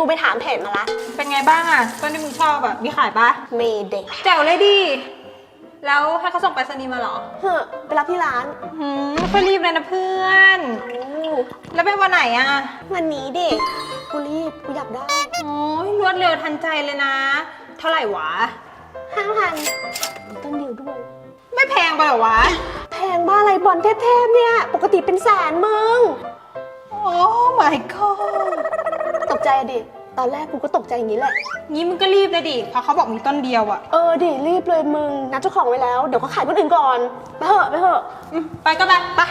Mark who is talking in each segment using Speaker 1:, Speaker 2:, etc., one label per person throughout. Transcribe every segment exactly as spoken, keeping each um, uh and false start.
Speaker 1: กูไปถามเพจมาละ
Speaker 2: เป็นไงบ้างอะต้นที่มึงชอบอะมีขายปะ
Speaker 1: มีเด็ก
Speaker 2: แจ๋วเลยดิแล้วให้เขาส่งไปรษณีย์มาเหรอ
Speaker 1: เฮ้อไปรับที่ร้าน
Speaker 2: หืมไม่รีบเลยนะเพื่อนแล้วเป็นวันไหนอะ
Speaker 1: วันนี้เด็กกูรีบกูอยากได้
Speaker 2: โอ้ยรวดเร็วทันใจเลยนะเท่าไหร่วะ
Speaker 1: ห้าพันต้นเดียวด้วย
Speaker 2: ไม่แพงไปหรอวะ
Speaker 1: แพงบ้าอะไรบอลเทพๆเนี่ยปกติเป็นแสนมึง
Speaker 2: โอ้ my god
Speaker 1: ตกใจดิตอนแรกกูก็ตกใจอย่างนี้แหละ
Speaker 2: งี้มึงก็รีบเลยดิเพราะเขาบอกมีต้นเดียวอะ
Speaker 1: เออดิรีบเลยมึงนัดเจ้าของไว้แล้วเดี๋ยวเขาขายคนอื่นก่อนไปเถอะไปเถอะ
Speaker 2: ไปก็ไปไป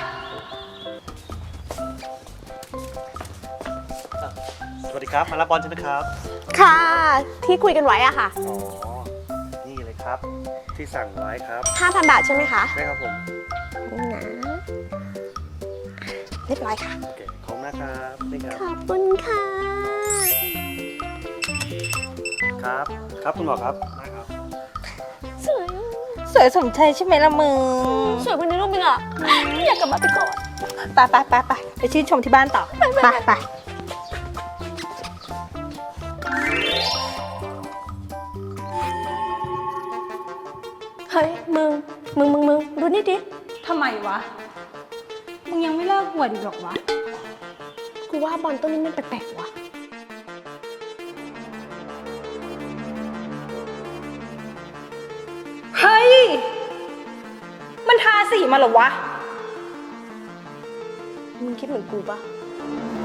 Speaker 3: สวัสดีครับมารับบอลใช่ไหมครับ
Speaker 1: ค่ะที่คุยกันไว้อะค่ะ
Speaker 3: อ๋อนี่เลยครับที่สั่งไว้ครับ
Speaker 1: ห้าพัน บาทใช่ไหมคะ
Speaker 3: ใช่ครับผม
Speaker 1: นี่นะเรียบร้อยค่ะ
Speaker 3: โอเคขอบคุณนะครับนี่ครับ
Speaker 1: ขอบคุณค่ะ
Speaker 3: ครับครับคุณหมอครับได้ครับ
Speaker 1: สวย
Speaker 2: สวยสมใจใช่ไหมล่ะมึง
Speaker 1: สวยกว่าในรูปมึงอ่ะอยากกลับมาไปก่อน
Speaker 2: ไปไปไปไปไปชื่นชมที่บ้านต่อไปไป
Speaker 1: เฮ้ยมึงมึงมึงมึงดูนี่ดิ
Speaker 2: ทำไมวะมึงยังไม่เลิกหวดอีกหรอกวะ
Speaker 1: กูว่าบอลต้นนี้มันแปลกๆว่ะ
Speaker 2: เฮ้ยมันทาสีมาเหรอวะ
Speaker 1: มึงคิดเหมือนกูปะ